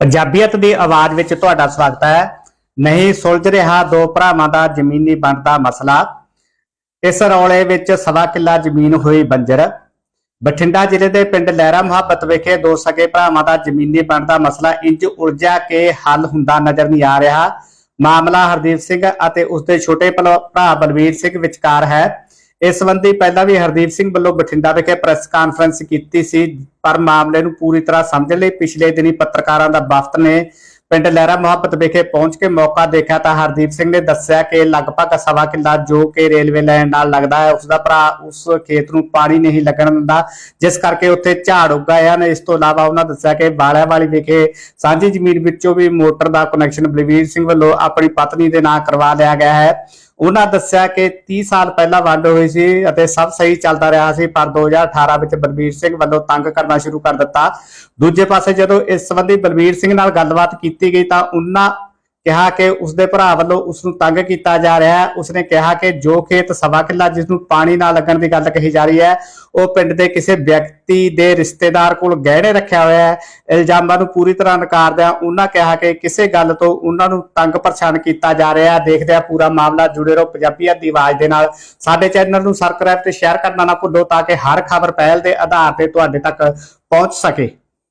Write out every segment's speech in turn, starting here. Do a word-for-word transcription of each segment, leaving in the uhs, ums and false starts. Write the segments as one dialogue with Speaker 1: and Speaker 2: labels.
Speaker 1: ਪੰਜਾਬੀਅਤ ਦੀ ਆਵਾਜ਼ ਵਿੱਚ ਤੁਹਾਡਾ ਸਵਾਗਤ ਹੈ। ਨਹੀਂ ਸੁਲਝ ਰਿਹਾ ਦੋ ਭਰਾਵਾਂ ਦਾ ਜ਼ਮੀਨੀ ਵੰਡ ਦਾ ਮਸਲਾ। ਇਸ ਰੌਲੇ ਵਿੱਚ ਸਵਾ ਕਿੱਲਾ ਜ਼ਮੀਨ ਹੋਈ ਬੰਜਰ। ਬਠਿੰਡਾ ਜ਼ਿਲ੍ਹੇ ਦੇ ਪਿੰਡ ਲਹਿਰਾ ਮੁਹੱਬਤ ਵਿਖੇ ਦੋ ਸਕੇ ਭਰਾਵਾਂ ਦਾ ਜ਼ਮੀਨੀ ਵੰਡ ਦਾ ਮਸਲਾ ਇੰਜ ਉਲਝਿਆ ਕਿ ਹੱਲ ਹੁੰਦਾ ਨਜ਼ਰ ਨਹੀਂ ਆ ਰਿਹਾ। ਮਾਮਲਾ ਹਰਦੀਪ ਸਿੰਘ ਅਤੇ ਉਸਦੇ ਛੋਟੇ ਭਰਾ ਬਲਵੀਰ ਸਿੰਘ ਵਿਚਕਾਰ ਹੈ। ਇਸ ਸੰਬੰਧੀ ਪਹਿਲਾਂ ਵੀ ਹਰਦੀਪ ਸਿੰਘ ਵੱਲੋਂ ਬਠਿੰਡਾ ਵਿਖੇ ਪ੍ਰੈਸ ਕਾਨਫਰੰਸ ਕੀਤੀ ਸੀ, ਪਰ ਮਾਮਲੇ ਨੂੰ ਪੂਰੀ ਤਰ੍ਹਾਂ ਸਮਝਣ ਲਈ ਪਿਛਲੇ ਦਿਨੀ ਪੱਤਰਕਾਰਾਂ ਦਾ ਵਫਦ ਨੇ ਪਿੰਡ ਲਹਿਰਾ ਮੁਹੱਬਤ ਵਿਖੇ ਪਹੁੰਚ ਕੇ ਮੌਕਾ ਦੇਖਿਆ ਤਾਂ ਹਰਦੀਪ ਸਿੰਘ ਨੇ ਦੱਸਿਆ ਕਿ ਲਗਭਗ ਸਵਾ ਕਿੱਲਾ ਜੋ ਕਿ ਰੇਲਵੇ ਲਾਈਨ ਨਾਲ ਲੱਗਦਾ ਹੈ, ਉਸਦਾ ਭਰਾ ਉਸ ਖੇਤ ਨੂੰ ਪਾਣੀ ਨਹੀਂ ਲੱਗਣ ਦਿੰਦਾ, ਜਿਸ ਕਰਕੇ ਉੱਥੇ ਝਾੜ ਉੱਗਾ ਹਨ। ਇਸ ਤੋਂ ਇਲਾਵਾ ਉਹਨਾਂ ਦੱਸਿਆ ਕਿ ਬਾਲਿਆਂ ਵਾਲੀ ਵਿਖੇ ਸਾਂਝੀ ਜ਼ਮੀਨ ਵਿੱਚੋਂ ਵੀ ਮੋਟਰ ਦਾ ਕਨੈਕਸ਼ਨ ਬਲਵੀਰ ਸਿੰਘ ਵੱਲੋਂ ਆਪਣੀ ਪਤਨੀ ਦੇ ਨਾਂ ਕਰਵਾ ਲਿਆ ਗਿਆ ਹੈ। ਉਹਨਾਂ ਦੱਸਿਆ ਕਿ तीस ਸਾਲ ਪਹਿਲਾਂ ਵੰਡ ਹੋਈ ਸੀ ਅਤੇ ਸਭ ਸਹੀ ਚੱਲਦਾ ਰਿਹਾ ਸੀ, ਪਰ ਦੋ ਹਜ਼ਾਰ ਅਠਾਰਾਂ ਵਿੱਚ ਬਲਵੀਰ ਸਿੰਘ ਵੱਲੋਂ ਤੰਗ ਕਰਨਾ ਸ਼ੁਰੂ ਕਰ ਦਿੱਤਾ। ਦੂਜੇ ਪਾਸੇ ਜਦੋਂ ਇਸ ਸੰਬੰਧੀ ਬਲਵੀਰ ਸਿੰਘ ਨਾਲ ਗੱਲਬਾਤ ਕੀਤੀ ਗਈ ਤਾਂ ਉਹਨਾਂ ਕਿਹਾ ਕਿ ਉਸਦੇ ਭਰਾ ਵੱਲੋਂ ਉਸ ਨੂੰ ਤੰਗ ਕੀਤਾ ਜਾ ਰਿਹਾ ਹੈ। ਉਸਨੇ ਕਿਹਾ ਕਿ ਜੋ ਖੇਤ ਸਵਾ ਕਿੱਲਾ ਜਿਸ ਨੂੰ ਪਾਣੀ ਨਾ ਲੱਗਣ ਦੀ ਗੱਲ ਕਹੀ ਜਾ ਰਹੀ ਹੈ, ਉਹ ਪਿੰਡ ਦੇ ਕਿਸੇ ਵਿਅਕਤੀ ਦੇ ਰਿਸ਼ਤੇਦਾਰ ਕੋਲ ਗਹਿਣੇ ਰੱਖਿਆ ਹੋਇਆ ਹੈ। ਇਲਜ਼ਾਮਾਂ ਨੂੰ ਪੂਰੀ ਤਰ੍ਹਾਂ ਨਕਾਰਦਿਆਂ ਉਹਨਾਂ ਕਿਹਾ ਕਿ ਕਿਸੇ ਗੱਲ ਤੋਂ ਉਹਨਾਂ ਨੂੰ ਤੰਗ ਪਰੇਸ਼ਾਨ ਕੀਤਾ ਜਾ ਰਿਹਾ ਹੈ। ਦੇਖਦੇ ਆ ਪੂਰਾ ਮਾਮਲਾ। ਜੁੜੇ ਰਹੋ ਪੰਜਾਬੀਅਤ ਦੀ ਆਵਾਜ਼ ਦੇ ਨਾਲ। ਸਾਡੇ ਚੈਨਲ ਨੂੰ ਸਬਸਕ੍ਰਾਈਬ ਤੇ ਸ਼ੇਅਰ ਕਰਨਾ ਨਾ ਭੁੱਲੋ ਤਾਂ ਕਿ ਹਰ ਖਬਰ ਪਹਿਲ ਦੇ ਆਧਾਰ ਤੇ ਤੁਹਾਡੇ ਤੱਕ ਪਹੁੰਚ ਸਕੇ।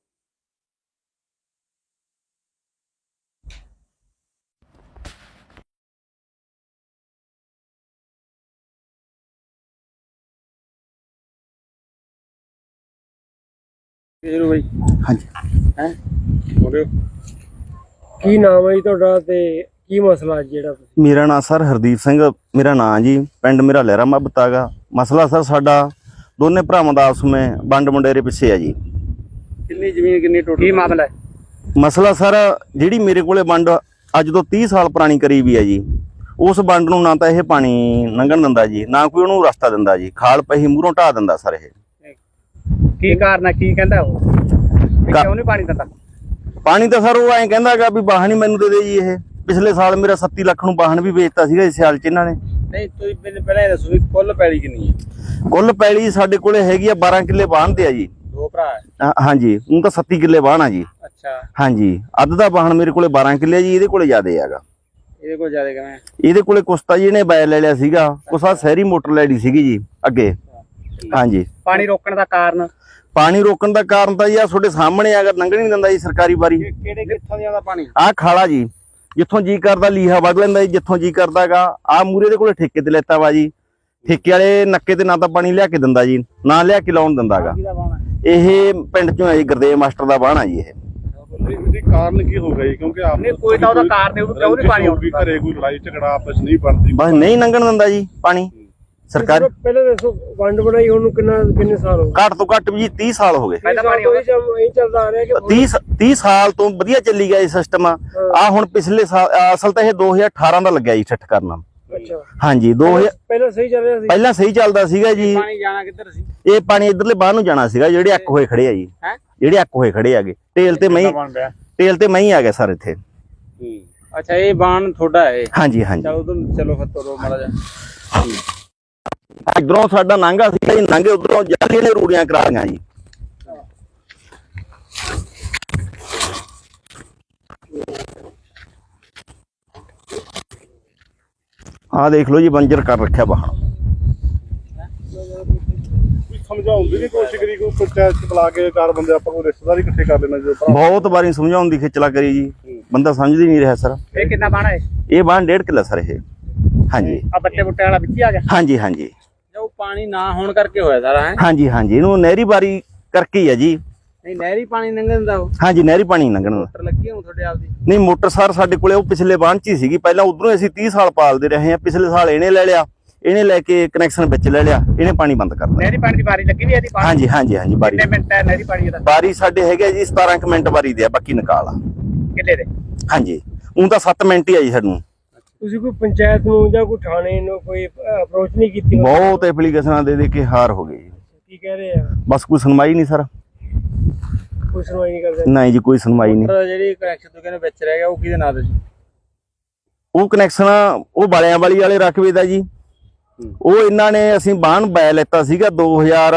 Speaker 2: ਹਾਂਜੀ
Speaker 3: ਹੈ ਬੋਲਿਓ ਕੀ ਨਾਮ ਹੈ ਜੀ ਤੁਹਾਡਾ ਤੇ ਕੀ ਮਸਲਾ ਜਿਹੜਾ ਤੁਸੀਂ?
Speaker 2: ਮੇਰਾ ਨਾਮ ਸਰ ਹਰਦੀਪ ਸਿੰਘ ਮੇਰਾ ਨਾਮ ਜੀ। ਪਿੰਡ ਮੇਰਾ ਲਹਿਰਾ ਮੁਹੱਬਤ ਹੈਗਾ। ਮਸਲਾ ਸਰ ਸਾਡਾ ਦੋਨੇ ਭਰਾਵਾਂ ਦਾ ਆਪਸ ਵਿੱਚ ਵੰਡ ਵੰਡੇਰੇ ਪਿੱਛੇ ਹੈ ਜੀ।
Speaker 3: ਕਿੰਨੀ ਜ਼ਮੀਨ ਕਿੰਨੀ ਟੋਟਲ ਕੀ ਮਾਮਲਾ ਹੈ?
Speaker 2: ਮਸਲਾ ਸਰ ਜਿਹੜੀ ਮੇਰੇ ਕੋਲੇ ਵੰਡ ਅੱਜ ਤੋਂ तीस ਸਾਲ ਪੁਰਾਣੀ ਕਰੀ ਵੀ ਹੈ ਜੀ, ਉਸ ਵੰਡ ਨੂੰ ਨਾ ਤਾਂ ਇਹ ਪਾਣੀ ਲੰਘਣ ਦਿੰਦਾ ਜੀ, ਨਾ ਕੋਈ ਉਹਨੂੰ ਰਸਤਾ ਦਿੰਦਾ ਜੀ। ਖਾਲ ਪਹੀ ਮੂਹਰੋਂ ਢਾਹ ਦਿੰਦਾ ਸਰ। ਇਹ
Speaker 3: ਕੀ ਕਾਰਨ ਹੈ? ਕੀ ਕਹਿੰਦਾ ਉਹ ਕਿਉਂ ਨਹੀਂ ਪਾਣੀ ਦਿੰਦਾ?
Speaker 2: ਪਾਣੀ ਤਾਂ ਸਰ ਉਹ ਐਂ ਕਹਿੰਦਾ ਹੈਗਾ ਵੀ ਵਾਹਨ ਹੀ ਮੈਨੂੰ ਦੇ ਦੇ ਜੀ। ਇਹ ਪਿਛਲੇ ਸਾਲ ਮੇਰਾ ਸੱਤੀ ਲੱਖ ਨੂੰ ਵਾਹਨ ਵੀ ਵੇਚਤਾ ਸੀਗਾ ਇਸ ਸਾਲ ਚ ਇਹਨਾਂ ਨੇ।
Speaker 3: ਨਹੀਂ ਤੁਸੀਂ ਮੈਨੂੰ ਪਹਿਲਾਂ ਇਹ ਦੱਸੋ ਵੀ ਕੁੱਲ ਪੈਲੀ ਕਿੰਨੀ ਹੈ?
Speaker 2: ਕੁੱਲ ਪੈਲੀ ਸਾਡੇ ਕੋਲੇ ਹੈਗੀ ਆ ਬਾਰਾਂ ਕਿੱਲੇ ਵਾਹਨ ਤੇ ਆ ਜੀ।
Speaker 3: ਦੋ ਭਰਾ ਹੈ?
Speaker 2: ਹਾਂ- ਹਾਂਜੀ ਉਹ ਤਾਂ ਸੱਤੀ ਕਿੱਲੇ ਵਾਹਨ ਆ ਜੀ।
Speaker 3: ਅੱਛਾ
Speaker 2: ਹਾਂਜੀ ਅੱਧ ਦਾ ਵਾਹਨ ਮੇਰੇ ਕੋਲੇ ਬਾਰਾਂ ਕਿੱਲੇ ਜੀ, ਇਹਦੇ ਕੋਲੇ ਜ਼ਿਆਦੇ ਹੈਗਾ।
Speaker 3: ਇਹਦੇ ਕੋਲ ਜ਼ਿਆਦਾ ਕਿਵੇਂ?
Speaker 2: ਇਹਦੇ ਕੋਲੇ ਕੁਸਤਾ ਜੀ ਇਹਨੇ ਬੈ ਲੈ ਲਿਆ ਸੀਗਾ, ਕੁਛ ਆ ਸ਼ਹਿਰੀ ਮੋਟਰ ਲੈਣੀ ਸੀਗੀ ਜੀ ਅੱਗੇ। ਹਾਂਜੀ
Speaker 3: ਪਾਣੀ ਰੋਕਣ ਦਾ ਕਾਰਨ?
Speaker 2: ਪਾਣੀ ਰੋਕਣ ਦਾ ਕਾਰਨ ਤਾਂ ਜੀ ਆ ਤੁਹਾਡੇ ਸਾਹਮਣੇ ਅਗਰ ਲੰਘਣ ਨਹੀਂ ਦਿੰਦਾ ਜੀ ਸਰਕਾਰੀ ਬਾਰੀ।
Speaker 3: ਕਿਹੜੇ ਕਿੱਥੋਂ ਦੀ ਆਉਂਦਾ ਪਾਣੀ?
Speaker 2: ਆਹ ਖਾਲਾ ਜੀ, ਜਿੱਥੋਂ ਜੀ ਕਰਦਾ ਲੀਹਾ ਵੱਢ ਲੈਂਦਾ ਜੀ, ਜਿੱਥੋਂ ਜੀ ਕਰਦਾਗਾ। ਆਹ ਮੂਰੇ ਦੇ ਕੋਲੇ ਠੇਕੇ ਤੇ ਲੈਤਾ ਵਾ ਜੀ। ਠੇਕੇ ਵਾਲੇ ਨੱਕੇ ਤੇ ਨਾ ਤਾਂ ਪਾਣੀ ਲਿਆ ਕੇ ਦਿੰਦਾ ਜੀ, ਨਾ ਲਿਆ ਕੇ ਲਾਉਣ ਦਿੰਦਾਗਾ। ਇਹ ਪਿੰਡ ਚੋਂ ਹੈ ਜੀ, ਗੁਰਦੇਵ ਮਾਸਟਰ ਦਾ ਬਾਣ ਆ ਜੀ। ਇਹ
Speaker 4: ਇਹਦੇ ਕਾਰਨ ਕੀ ਹੋ ਗਿਆ ਜੀ? ਕਿਉਂਕਿ ਆਪ
Speaker 3: ਨਹੀਂ ਕੋਈ ਤਾਂ ਉਹਦਾ ਕਾਰਨ ਹੈ, ਉਹ ਕਿਉਂ ਨਹੀਂ ਪਾਣੀ ਆਉਂਦਾ?
Speaker 4: ਘਰੇ ਕੋਈ ਲੜਾਈ ਝਗੜਾ ਆਪਸ ਨਹੀਂ ਬਣਦੀ,
Speaker 2: ਬਸ ਨਹੀਂ ਲੰਘਣ ਦਿੰਦਾ ਜੀ ਪਾਣੀ ਸਰਕਾਰ।
Speaker 3: ਪਹਿਲਾਂ ਦੱਸੋ ਵੰਡ ਬਣਾਈ ਉਹਨੂੰ ਕਿੰਨਾ ਕਿੰਨੇ ਸਾਲ ਹੋ ਗਏ?
Speaker 2: ਘੱਟ ਤੋਂ ਘੱਟ ਵੀ तीस ਸਾਲ ਹੋ ਗਏ।
Speaker 3: ਪਹਿਲਾਂ ਪਾਣੀ ਇਹ ਚੱਲਦਾ ਆ ਰਿਹਾ ਕਿ
Speaker 2: तीस तीस ਸਾਲ ਤੋਂ ਵਧੀਆ ਚੱਲੀ ਗਿਆ ਇਹ ਸਿਸਟਮ। ਆ ਹੁਣ ਪਿਛਲੇ ਸਾਲ ਅਸਲ ਤਾਂ ਇਹ ਦੋ ਹਜ਼ਾਰ ਅਠਾਰਾਂ ਦਾ ਲੱਗਿਆ ਜੀ ਸੈੱਟ ਕਰਨਾ।
Speaker 3: ਅੱਛਾ
Speaker 2: ਹਾਂਜੀ ਦੋ ਹਜ਼ਾਰ
Speaker 3: ਪਹਿਲਾਂ ਸਹੀ ਚੱਲ ਰਿਹਾ ਸੀ?
Speaker 2: ਪਹਿਲਾਂ ਸਹੀ ਚੱਲਦਾ ਸੀਗਾ ਜੀ।
Speaker 3: ਪਾਣੀ ਜਾਣਾ ਕਿੱਧਰ ਸੀ?
Speaker 2: ਇਹ ਪਾਣੀ ਇਧਰਲੇ ਬਾਹਰ ਨੂੰ ਜਾਣਾ ਸੀਗਾ, ਜਿਹੜੇ ਅੱਕ ਹੋਏ ਖੜੇ ਆ ਜੀ।
Speaker 3: ਹੈ
Speaker 2: ਜਿਹੜੇ ਅੱਕ ਹੋਏ ਖੜੇ ਆਗੇ ਤੇਲ ਤੇ ਮਹੀਂ ਤੇਲ ਤੇ ਮਹੀਂ ਆ ਗਿਆ ਸਰ ਇੱਥੇ।
Speaker 3: ਅੱਛਾ ਇਹ ਬਾਣ ਤੁਹਾਡਾ ਹੈ?
Speaker 2: ਹਾਂਜੀ ਹਾਂਜੀ
Speaker 3: ਚਲੋ ਤੁਮ ਚਲੋ ਫਿਰ ਤੋਰੋ ਮਾੜਾ ਜਾ।
Speaker 2: ਇਧਰੋਂ ਸਾਡਾ ਨਾਂਗਾ ਸੀਗਾ ਜੀ, ਨਾਂਗੇ ਉਧਰੋਂ ਜਾਲੀ ਨੇ ਰੂੜੀਆਂ ਕਰਾ ਲਈਆਂ ਜੀ। ਆਹ ਦੇਖ ਲਓ ਜੀ ਬੰਜਰ ਕਰ ਰੱਖਿਆ ਬਾਹਰ।
Speaker 4: ਸਮਝਾਉਣ ਦੀ ਕੋਸ਼ਿਸ਼ ਕਰੀ, ਕੋਈ ਪੰਚਾਇਤ ਚ ਬੁਲਾ ਕੇ ਚਾਰ ਬੰਦੇ ਆਪਾਂ ਕੋਈ ਰਿਸ਼ਤੇਦਾਰ ਇਕੱਠੇ ਕਰ ਲੈਣਾ ਜੀ।
Speaker 2: ਬਹੁਤ ਵਾਰੀ ਸਮਝਾਉਣ ਦੀ ਖੇਚਲਾ ਕਰੀ ਜੀ, ਬੰਦਾ ਸਮਝਦੀ ਨਹੀਂ ਰਿਹਾ ਸਰ।
Speaker 3: ਇਹ ਕਿੰਨਾ ਬਾਣਾ ਹੈ?
Speaker 2: ਇਹ ਬਾਣ ਡੇਢ ਕਿੱਲਾ ਸਰ ਇਹ। ਹਾਂਜੀ
Speaker 3: ਆ ਬੱਟੇ ਬੁੱਟੇ ਵਾਲਾ ਵਿੱਚ ਹੀ ਆ ਗਿਆ?
Speaker 2: ਹਾਂਜੀ ਹਾਂਜੀ
Speaker 3: ਜੋ ਪਾਣੀ ਨਾ ਹੋਣ ਕਰਕੇ ਹੋਇਆ ਸਾਰਾ ਹੈ?
Speaker 2: ਹਾਂਜੀ ਹਾਂਜੀ ਇਹਨੂੰ ਨਹਿਰੀ ਬਾਰੀ ਕਰਕੇ ਹੀ ਆ ਜੀ।
Speaker 3: ਨਹੀਂ ਨਹਿਰੀ ਪਾਣੀ ਲੰਘ ਦਿੰਦਾ ਉਹ?
Speaker 2: ਹਾਂਜੀ ਨਹਿਰੀ ਪਾਣੀ ਲੰਘਣ ਦਾ।
Speaker 3: ਮੋਟਰ ਲੱਗੀ ਹੋਊ ਤੁਹਾਡੇ ਆਪ ਦੀ?
Speaker 2: ਨਹੀਂ ਮੋਟਰ ਸਰ ਸਾਡੇ ਕੋਲੇ ਉਹ ਪਿਛਲੇ ਬਾਣ ਚ ਹੀ ਸੀਗੀ। ਪਹਿਲਾਂ ਉਧਰੋਂ ਅਸੀਂ तीस ਸਾਲ ਪਾਲਦੇ ਰਹੇ ਆ। ਪਿਛਲੇ ਸਾਲ ਇਹਨੇ ਲੈ ਲਿਆ, ਇਹਨੇ ਲੈ ਕੇ ਕਨੈਕਸ਼ਨ ਵਿੱਚ ਲੈ ਲਿਆ, ਇਹਨੇ ਪਾਣੀ ਬੰਦ ਕਰ ਦਿੱਤਾ।
Speaker 3: ਨਹਿਰੀ ਪਾਣੀ ਦੀ ਵਾਰੀ ਲੱਗੀ ਨਹੀਂ ਇਹਦੀ? ਪਾਣੀ
Speaker 2: ਹਾਂਜੀ ਹਾਂਜੀ ਹਾਂਜੀ ਬਾਰੀ
Speaker 3: ਕਿੰਨੇ ਮਿੰਟ ਹੈ ਨਹਿਰੀ ਪਾਣੀ ਦਾ?
Speaker 2: ਬਾਰੀ ਸਾਡੇ ਹੈਗੇ ਜੀ ਸਤਾਰਾਂ ਕੁ ਮਿੰਟ ਬਾਰੀ ਦੇ ਆ, ਬਾਕੀ ਨਿਕਾਲ ਆ।
Speaker 3: ਕਿੱਲੇ ਦੇ?
Speaker 2: ਹਾਂਜੀ ਉਹ ਤਾਂ ਸੱਤ ਮਿੰਟ ਹੀ ਆ ਜੀ ਸਾਨੂੰ।
Speaker 3: ਤੁਸੀਂ ਕੋਈ ਪੰਚਾਇਤ ਨੂੰ ਜਾਂ ਕੋਈ ਥਾਣੇ ਨੂੰ ਕੋਈ ਅਪਰੋਚ ਨਹੀਂ ਕੀਤੀ?
Speaker 2: ਬਹੁਤ ਐਪਲੀਕੇਸ਼ਨਾਂ ਦੇ ਦੇ ਕੇ ਹਾਰ ਹੋ ਗਏ ਜੀ।
Speaker 3: ਕੀ ਕਹਿ ਰਹੇ ਆ?
Speaker 2: ਬਸ ਕੋਈ ਸੁਣਵਾਈ ਨਹੀਂ ਸਰ।
Speaker 3: ਕੋਈ ਸੁਣਵਾਈ ਨਹੀਂ ਕਰਦੇ?
Speaker 2: ਨਹੀਂ ਜੀ ਕੋਈ ਸੁਣਵਾਈ ਨਹੀਂ।
Speaker 3: ਜਿਹੜੀ ਕਨੈਕਸ਼ਨ ਤੋਂ ਕਹਿੰਦੇ ਵਿੱਚ ਰਹਿ ਗਿਆ ਉਹ ਕਿਹਦੇ ਨਾਂ ਤੇ ਜੀ?
Speaker 2: ਉਹ ਕਨੈਕਸ਼ਨ ਉਹ ਬਾਲਿਆਂ ਵਾਲੀ ਵਾਲੇ ਰਕਬੇ ਦਾ ਜੀ। ਉਹ ਇਹਨਾਂ ਨੇ ਅਸੀਂ ਬਾਣ ਬੈ ਲੈਤਾ ਸੀਗਾ ਦੋ ਹਜ਼ਾਰ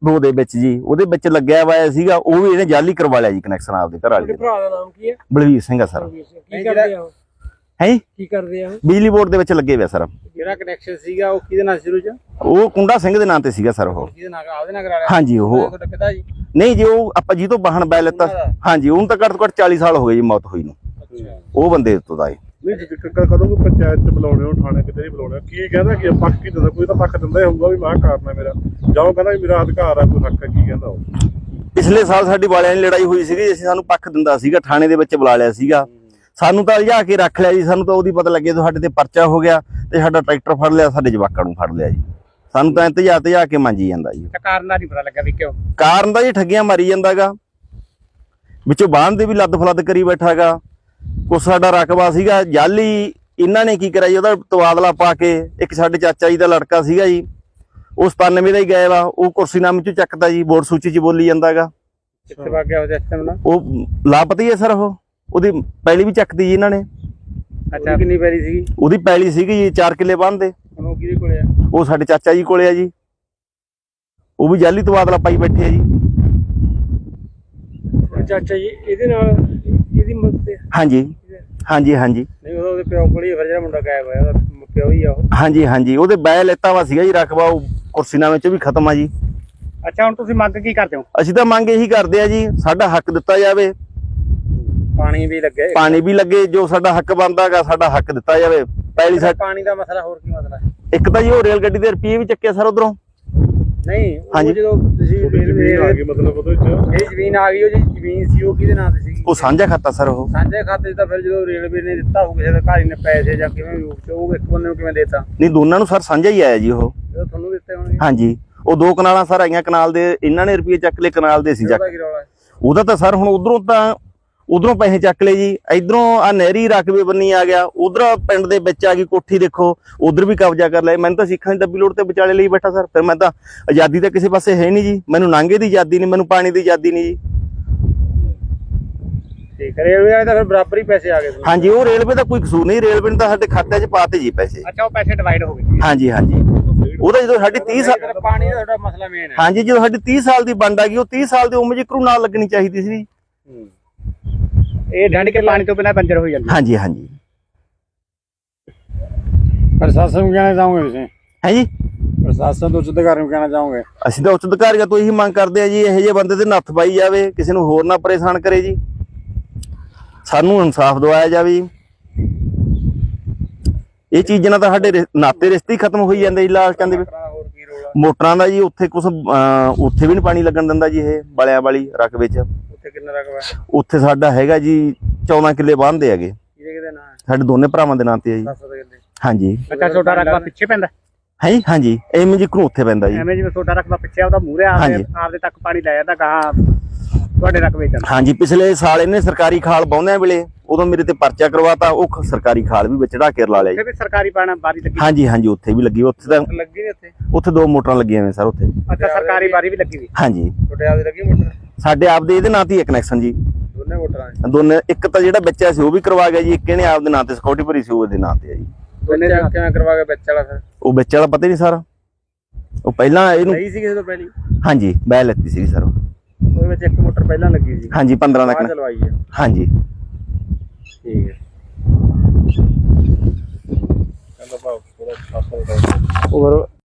Speaker 2: ਦੋ ਦੇ ਵਿੱਚ ਜੀ ਉਹਦੇ ਵਿੱਚ ਲੱਗਿਆ ਹੋਇਆ ਸੀਗਾ, ਉਹ ਵੀ ਇਹਨੇ ਜਾਲੀ ਕਰਵਾ ਲਿਆ ਜੀ ਕਨੈਕਸ਼ਨ ਆਪਦੇ ਘਰ ਵਾਲੇ
Speaker 3: ਤੁਹਾਡੇ ਭਰਾ ਦਾ ਨਾਮ ਕੀ ਹੈ?
Speaker 2: ਬਲਵੀਰ ਸਿੰਘ ਆ ਸਰ।
Speaker 3: ਕੀ ਕਰਦੇ ਆ ਉਹ?
Speaker 2: ਹੈ ਜੀ
Speaker 3: ਕੀ ਕਰਦੇ ਆ ਉਹ?
Speaker 2: ਬਿਜਲੀ ਬੋਰਡ ਦੇ ਵਿੱਚ ਲੱਗੇ ਹੋਇਆ ਸਰ।
Speaker 3: ਜਿਹੜਾ ਕਨੈਕਸ਼ਨ ਸੀਗਾ ਉਹ ਕਿਹਦੇ ਨਾਲ ਸ਼ੁਰੂ ਚ?
Speaker 2: ਉਹ ਕੁੰਡਾ ਸਿੰਘ ਦੇ ਨਾਂ ਤੇ ਸੀਗਾ ਸਰ ਉਹ।
Speaker 3: ਕਿਹਦੇ ਨਾਲ? ਆਪਦੇ ਨਾਲ ਕਰਾ ਲਿਆ?
Speaker 2: ਹਾਂਜੀ ਉਹ
Speaker 3: ਤੁਹਾਡਾ ਪਿਤਾ ਜੀ?
Speaker 2: ਨਹੀਂ ਜੀ, ਉਹ ਆਪਾਂ ਜੀ ਤੋਂ ਵਾਹਨ ਬੈ ਲੈਤਾ। ਹਾਂਜੀ ਉਹਨੂੰ ਤਾਂ ਘੱਟ ਤੋਂ ਘੱਟ ਚਾਲੀ ਸਾਲ ਹੋ ਗਏ ਜੀ ਮੌਤ ਹੋਈ ਨੂੰ। ਉਹ ਬੰਦੇ ਤੋਂ ਦਾ
Speaker 4: ਨਹੀਂ ਜੀ, ਕ- ਕ- ਕਦੋਂ ਕੋਈ ਪੰਚਾਇਤ ਚ ਬੁਲਾਉਣੇ ਹੋ, ਥਾਣੇ ਕਿਤੇ ਨਹੀਂ ਬੁਲਾਉਣੇ, ਕੀ ਕਹਿੰਦਾ ਕਿ ਪੱਖ ਕੀ ਦਿੰਦਾ? ਕੋਈ ਤਾਂ ਪੱਖ ਦਿੰਦਾ ਹੀ ਹੋਊਗਾ ਵੀ ਮੈਂ ਕਾਰਨ ਹੈ ਮੇਰਾ, ਜਾਂ ਉਹ ਕਹਿੰਦਾ ਵੀ ਮੇਰਾ ਅਧਿਕਾਰ ਆ, ਕੋਈ ਹੱਕ ਹੈ, ਕੀ ਕਹਿੰਦਾ ਉਹ?
Speaker 2: ਪਿਛਲੇ ਸਾਲ ਸਾਡੀ ਵਾਲਿਆਂ ਦੀ ਲੜਾਈ ਹੋਈ ਸੀਗੀ, ਅਸੀਂ ਸਾਨੂੰ ਪੱਖ ਦਿੰਦਾ ਸੀਗਾ, ਥਾਣੇ ਦੇ ਵਿੱਚ ਬੁਲਾ ਲਿਆ ਸੀਗਾ, ਸਾਨੂੰ ਤਾਂ ਲਿਜਾ ਕੇ ਰੱਖ ਲਿਆ ਜੀ। ਸਾਨੂੰ ਤਾਂ ਉਹਦੀ ਪਤਾ ਲੱਗੇ ਸਾਡੇ ਤੇ ਪਰਚਾ ਹੋ ਗਿਆ ਤੇ ਸਾਡਾ ਟਰੈਕਟਰ ਫੜ ਲਿਆ, ਸਾਡੇ ਜਵਾਕਾਂ ਨੂੰ ਫੜ ਲਿਆ ਜੀ। ਸਾਨੂੰ ਤਾਂ ਇੰਤਜਾ ਤੇ ਜਾ ਕੇ ਮੰਜੀ ਜਾਂਦਾ ਜੀ।
Speaker 3: ਕਾਰਨ ਦਾ ਨਹੀਂ ਪਤਾ ਲੱਗਾ ਵੀ ਕਿਉਂ?
Speaker 2: ਕਾਰਨ ਦਾ ਜੀ ਠੱਗੀਆਂ ਮਾਰੀ ਜਾਂਦਾਗਾ, ਵਿੱਚੋਂ ਬਾਹਨ ਦੇ ਵੀ ਲੱਦ ਫਲੱਦ ਕਰੀ ਬੈਠਾਗਾ। ਕੁਛ ਸਾਡਾ ਰਕਬਾ ਸੀਗਾ ਜਾਲੀ, ਇਹਨਾਂ ਨੇ ਕੀ ਕਰਿਆ ਜੀ, ਉਹਦਾ ਤਬਾਦਲਾ ਪਾ ਕੇ ਇੱਕ ਸਾਡੇ ਚਾਚਾ ਜੀ ਦਾ ਲੜਕਾ ਸੀਗਾ ਜੀ, ਉਹ ਸਤਾਨਵੇਂ ਦਾ ਹੀ ਗਾਇਬ ਆ, ਉਹ ਕੁਰਸੀਨਾਮੇ ਚੋਂ ਚੱਕਦਾ ਜੀ, ਵੋਟ ਸੂਚੀ 'ਚ ਬੋਲੀ ਜਾਂਦਾਗਾ।
Speaker 3: ਕਿੱਥੇ ਵਗ ਗਿਆ ਉਹ ਸਿਸਟਮ ਨਾਲ?
Speaker 2: ਉਹ ਲਾਪਤਾ ਹੀ ਹੈ ਸਰ। ਉਹ ਉਹਦੀ ਪੈਲੀ ਵੀ ਚੱਕਦੀ ਜੀ ਇਹਨਾਂ ਨੇ।
Speaker 3: ਅੱਛਾ, ਕਿੰਨੀ ਪੈਰੀ ਸੀਗੀ?
Speaker 2: ਉਹਦੀ ਪੈਲੀ ਸੀਗੀ ਜੀ ਚਾਰ ਕਿੱਲੇ ਬੰਨਦੇ।
Speaker 3: ਹੁਣ ਉਹ ਕਿਹਦੇ ਕੋਲੇ ਆ?
Speaker 2: ਉਹ ਸਾਡੇ ਚਾਚਾ ਜੀ ਕੋਲੇ ਆ ਜੀ, ਉਹ ਵੀ ਜਾਲੀ ਤਬਾਦਲਾ ਪਾਈ ਬੈਠੇ ਆ ਜੀ।
Speaker 3: ਚਾਚਾ ਜੀ ਇਹਦੇ ਨਾਲ ਇਹਦੀ ਮਦਦ ਤੇ?
Speaker 2: ਹਾਂਜੀ ਹਾਂਜੀ ਹਾਂਜੀ
Speaker 3: ਨਹੀਂ, ਉਹ ਉਹਦੇ ਪਿਓ ਕੋਲ ਹੀ ਫਿਰ ਜਿਹੜਾ ਮੁੰਡਾ ਗਾਇਬ ਹੋਇਆ ਉਹਦਾ ਪਿਓ ਹੀ ਆ ਉਹ।
Speaker 2: ਹਾਂਜੀ ਹਾਂਜੀ ਉਹਦੇ ਬੈ ਲੈਤਾ ਵਾ ਸੀਗਾ ਜੀ ਰਕਬਾ, ਉਹ ਕੁਰਸੀਨਾਮੇ ਚ ਵੀ ਖਤਮ ਆ ਜੀ।
Speaker 3: ਅੱਛਾ, ਹੁਣ ਤੁਸੀਂ ਮੰਗ ਕੀ ਕਰਦੇ ਹੋ?
Speaker 2: ਅਸੀਂ ਤਾਂ ਮੰਗ ਇਹੀ ਕਰਦੇ ਆ ਜੀ, ਸਾਡਾ ਹੱਕ ਦਿੱਤਾ ਜਾਵੇ,
Speaker 3: ਪਾਣੀ ਵੀ ਲੱਗੇ,
Speaker 2: ਪਾਣੀ ਵੀ ਲੱਗੇ, ਜੋ ਸਾਡਾ ਹੱਕ ਬਣਦਾਗਾ ਸਾਡਾ ਹੱਕ ਦਿੱਤਾ ਜਾਵੇ। ਪਹਿਲੀ ਸਾਡ
Speaker 3: ਪਾਣੀ ਦਾ ਮਸਲਾ, ਹੋਰ ਕੀ ਮਸਲਾ ਹੈ?
Speaker 2: ਇੱਕ ਤਾਂ ਜੀ ਉਹ ਰੇਲ ਗੱਡੀ ਦੇ ਰੁਪਏ ਵੀ ਚੱਕੇ ਸਰ ਉਧਰੋਂ।
Speaker 3: ਨਹੀਂ, ਉਹ
Speaker 2: ਹਾਂਜੀ।
Speaker 3: ਜਦੋਂ ਤੁਸੀਂ
Speaker 4: ਤੁਹਾਡੀ ਜ਼ਮੀਨ ਆ ਗਈ ਮਤਲਬ ਉਹਦੇ ਚ?
Speaker 3: ਇਹ ਜ਼ਮੀਨ ਆ ਗਈ, ਉਹ ਜਿਹੜੀ ਜ਼ਮੀਨ ਸੀ ਉਹ ਕਿਹਦੇ ਨਾਂ ਤੇ ਸੀਗੀ?
Speaker 2: ਉਹ ਸਾਂਝਾ ਖਾਤਾ ਸਰ ਉਹ।
Speaker 3: ਸਾਂਝੇ ਖਾਤੇ 'ਚ ਤਾਂ ਫਿਰ ਜਦੋਂ ਰੇਲਵੇ ਨੇ ਦਿੱਤਾ ਹੋਊ ਕਿਸੇ ਦੇ ਘਰ ਨੇ ਪੈਸੇ ਜਾਂ ਕਿਵੇਂ ਵੀ ਰੂਪ 'ਚ, ਉਹ ਇੱਕ ਬੰਦੇ ਨੂੰ ਕਿਵੇਂ ਦੇਤਾ?
Speaker 2: ਨਹੀਂ, ਦੋਨਾਂ ਨੂੰ ਸਰ ਸਾਂਝਾ ਹੀ ਆਇਆ ਜੀ ਉਹ।
Speaker 3: ਜਦੋਂ ਤੁਹਾਨੂੰ ਦਿੱਤੇ ਹੋਣਗੇ।
Speaker 2: ਹਾਂਜੀ, ਉਹ ਦੋ ਕਨਾਲਾਂ ਸਰ ਆਈਆਂ, ਕਨਾਲ ਦੇ ਇਹਨਾਂ ਨੇ ਰੁਪਏ ਚੱਕ ਲਏ, ਕਨਾਲ ਦੇ ਸੀ ਚੱਕ।
Speaker 3: ਉਹਦਾ ਕੀ ਰੌਲਾ ਹੈ?
Speaker 2: ਉਹਦਾ ਤਾਂ ਸਰ ਹੁਣ ਉਧਰੋਂ ਤਾਂ ਉਧਰੋਂ ਪੈਸੇ ਚੱਕ ਲਏ ਜੀ, ਇਧਰੋਂ ਆ ਨਹਿਰੀ ਰਕਬੇ ਬੰਨੀ ਆ ਗਿਆ, ਉਧਰ ਪਿੰਡ ਦੇ ਵਿੱਚ ਆ ਗਈ ਕੋਠੀ, ਦੇਖੋ ਉਧਰ ਵੀ ਕਬਜ਼ਾ ਕਰ ਲਿਆ। ਮੈਨੂੰ ਤਾਂ ਸਿੱਖਾਂ ਦੀ ਦੱਬੀ ਲੋੜ ਤੇ ਵਿਚਾਲੇ ਲਈ ਬੈਠਾ ਸਰ। ਫਿਰ ਮੈਂ ਤਾਂ ਆਜ਼ਾਦੀ ਤਾਂ ਕਿਸੇ ਪਾਸੇ ਹੈ ਨਹੀਂ ਜੀ, ਮੈਨੂੰ ਨਾਂਗੇ ਦੀ ਆਜ਼ਾਦੀ ਨਹੀਂ, ਮੈਨੂੰ ਪਾਣੀ ਦੀ ਆਜ਼ਾਦੀ ਨਹੀਂ ਜੀ।
Speaker 3: ਠੀਕ ਹੈ, ਰੇਲਵੇ ਵਾਲੇ ਤਾਂ ਫਿਰ ਬਰਾਬਰ ਹੀ ਪੈਸੇ ਆ ਗਏ ਤੁਹਾਨੂੰ।
Speaker 2: ਹਾਂਜੀ, ਉਹ ਰੇਲਵੇ ਦਾ ਕੋਈ ਕਸੂਰ ਨਹੀਂ, ਰੇਲਵੇ ਨੇ ਤਾਂ ਸਾਡੇ ਖਾਤੇ 'ਚ ਪਾਤੇ ਜੀ ਪੈਸੇ।
Speaker 3: ਅੱਛਾ, ਉਹ ਪੈਸੇ ਡਿਵਾਈਡ ਹੋ ਗਏ।
Speaker 2: ਹਾਂਜੀ ਹਾਂਜੀ, ਉਹਦਾ ਜਦੋਂ ਸਾਡੀ ਤੀਹ ਸਾਲ
Speaker 3: ਪਾਣੀ ਦਾ ਤੁਹਾਡਾ ਮਸਲਾ ਮੇਨ ਹੈ।
Speaker 2: ਹਾਂਜੀ, ਜਦੋਂ ਸਾਡੀ ਤੀਹ ਸਾਲ ਦੀ ਵੰਡ ਆ ਗਈ, ਉਹ ਤੀਹ ਸਾਲ ਦੀ ਉਮਰ ਜ਼ਿਕਰੂ ਨਾਲ ਲੱਗਣੀ ਚਾਹੀਦੀ ਸੀ।
Speaker 3: ਇਹ ਡੰਡ ਕੇ ਪਾਣੀ ਤੋਂ ਬਿਨਾਂ ਬੰਜਰ ਹੋ ਜਾਂਦੀ।
Speaker 2: ਹਾਂਜੀ ਹਾਂਜੀ।
Speaker 3: ਪ੍ਰਸ਼ਾਸਨ ਨੂੰ ਕਹਿਣਾ ਚਾਹੋਗੇ ਤੁਸੀਂ?
Speaker 2: ਹੈ ਜੀ,
Speaker 3: ਪ੍ਰਸ਼ਾਸਨ ਤੋਂ ਉੱਚ ਅਧਿਕਾਰੀ ਨੂੰ ਕਹਿਣਾ ਚਾਹੋਗੇ?
Speaker 2: ਅਸੀਂ ਤਾਂ ਉੱਚ ਅਧਿਕਾਰੀਆਂ ਤੋਂ ਇਹੀ ਮੰਗ ਕਰਦੇ ਆ ਜੀ, ਇਹੋ ਜਿਹੇ ਬੰਦੇ ਤੇ ਨੱਥ ਪਾਈ ਜਾਵੇ, ਕਿਸੇ ਨੂੰ ਹੋਰ ਨਾ ਪਰੇਸ਼ਾਨ ਕਰੇ ਜੀ, ਸਾਨੂੰ ਇਨਸਾਫ ਦਿਵਾਇਆ ਜਾਵੇ ਜੀ। ਇਹ ਚੀਜ਼ਾਂ ਨਾਲ ਤਾਂ ਸਾਡੇ ਰਿ- ਨਾਤੇ ਰਿਸ਼ਤੇ ਹੀ ਖਤਮ ਹੋਈ ਜਾਂਦੇ ਜੀ ਲਾਲਚਾਂ ਦੇ ਵਿੱਚ।
Speaker 3: ਹੋਰ ਕੀ ਰੋਲਾ?
Speaker 2: ਮੋਟਰਾਂ ਦਾ ਜੀ ਉੱਥੇ ਕੁਛ ਅਹ, ਉੱਥੇ ਵੀ ਨਹੀਂ ਪਾਣੀ ਲੱਗਣ ਦਿੰਦਾ ਜੀ ਇਹ ਬਾਲਿਆਂ ਵਾਲੀ ਰਕਬੇ 'ਚ।
Speaker 3: ਉੱਥੇ ਕਿੰਨਾ ਰਕਬਾ ਹੈ?
Speaker 2: ਉੱਥੇ ਸਾਡਾ ਹੈਗਾ ਜੀ ਚੌਦਾਂ ਕਿੱਲੇ ਬਾਂਹਦੇ ਹੈਗੇ,
Speaker 3: ਕਿਹਦੇ ਕਿਹਦੇ ਨਾਂ ਹੈ?
Speaker 2: ਸਾਡੇ ਦੋਨੇ ਭਰਾਵਾਂ ਦੇ ਨਾਂ ਤੇ ਆ ਜੀ।
Speaker 3: ਦੱਸ ਸਕਦੇ ਕਿੰਨੇ?
Speaker 2: ਹਾਂਜੀ।
Speaker 3: ਅੱਛਾ, ਛੋਟਾ ਰਕਬਾ ਪਿੱਛੇ ਪੈਂਦਾ?
Speaker 2: ਹੈ ਜੀ, ਹਾਂਜੀ, ਐਵੇਂ ਜੀ ਘਰੋਂ ਉੱਥੇ ਪੈਂਦਾ ਜੀ।
Speaker 3: ਐਵੇਂ ਜਿਵੇਂ ਛੋਟਾ ਰਕਬਾ ਪਿੱਛੇ ਉਹਦਾ ਮੂਹਰੇ ਆਪਦੇ
Speaker 2: ਹਾਂਜੀ।
Speaker 3: ਆਪਦੇ ਤੱਕ ਪਾਣੀ ਲੈ ਜਾਂਦਾ, ਗਾਹਾਂ ਤੁਹਾਡੇ ਰਕਬੇ 'ਚ।
Speaker 2: ਹਾਂਜੀ, ਪਿਛਲੇ ਸਾਲ ਇਹਨੇ ਸਰਕਾਰੀ ਖਾਲ ਬਾਉਂਦਿਆਂ ਵੇਲੇ ਉਦੋਂ ਮੇਰੇ ਤੇ ਪਰਚਾ ਕਰਵਾਤਾ, ਉਹ ਖ- ਸਰਕਾਰੀ ਖਾਲ ਵੀ ਵਿੱਚ ਢਾ ਕੇ ਲਾ ਲਿਆ ਜੀ।
Speaker 3: ਉੱਥੇ ਵੀ ਸਰਕਾਰੀ ਪਾਣਾ ਬਾਰੀ ਲੱਗੀ?
Speaker 2: ਹਾਂਜੀ ਹਾਂਜੀ, ਉੱਥੇ ਵੀ ਲੱਗੀ, ਉੱਥੇ ਤਾਂ
Speaker 3: ਲੱਗੀ ਨੀ ਉੱਥੇ?
Speaker 2: ਉੱਥੇ ਦੋ ਮੋਟਰਾਂ ਲੱਗੀਆਂ ਹੋਈਆਂ ਸਰ ਉੱਥੇ।
Speaker 3: ਅੱਛਾ, ਸਰਕਾਰੀ ਬਾਰੀ ਵੀ ਲੱਗੀ ਵੀ?
Speaker 2: ਹਾਂਜੀ,
Speaker 3: ਛੋਟੇ ਆਪਦੇ ਲੱਗੀ ਮੋਟਰ?
Speaker 2: ਸਾਡੇ ਆਪਦੇ ਇਹਦੇ ਨਾਂ ਤੇ ਹੀ ਹੈ ਕਨੈਕਸ਼ਨ ਜੀ,
Speaker 3: ਦੋਨੇ ਮੋਟਰਾਂ ਨੇ?
Speaker 2: ਦੋਨੇ। ਇੱਕ ਤਾਂ ਜਿਹੜਾ ਬੱਚਾ ਸੀ ਉਹ ਵੀ ਕਰਵਾ ਗਿਆ ਜੀ, ਇੱਕ ਇਹਨੇ ਆਪਦੇ ਨਾਂ ਤੇ ਸਿਕਿਉਰਿਟੀ ਭਰੀ ਸੀ, ਉਹਦੇ ਨਾਂ ਤੇ ਹੈ ਜੀ।
Speaker 3: ਦੋਨੇ ਕਿਵੇਂ ਕਰਵਾ ਕੇ ਵਿੱਚ ਵਾਲਾ ਫਿਰ?
Speaker 2: ਉਹ ਬੱਚੇ ਵਾਲਾ ਪਤਾ ਹੀ ਨਹੀਂ ਸਰ, ਉਹ ਪਹਿਲਾਂ ਇਹਨੂੰ
Speaker 3: ਸਹੀ ਸੀ ਕਿਸੇ ਤੋਂ ਪਹਿਲੀ?
Speaker 2: ਹਾਂਜੀ ਬੈ ਲੈਤੀ ਸੀ ਸਰ।
Speaker 3: ਉਹਦੇ ਵਿੱਚ ਇੱਕ ਮੋਟਰ ਪਹਿਲਾਂ ਲੱਗੀ ਸੀ?
Speaker 2: ਹਾਂਜੀ, ਪੰਦਰਾਂ ਦਾ
Speaker 3: ਬਾਅਦ
Speaker 2: ਕਨ-
Speaker 3: ਚਲਵਾਈ ਹੈ?
Speaker 2: ਹਾਂਜੀ।
Speaker 3: ਠੀਕ ਹੈ।
Speaker 4: ਕਹਿੰਦਾ ਭਾਵ ਥੋੜਾ ਸਾਫ
Speaker 3: ਹੋਰ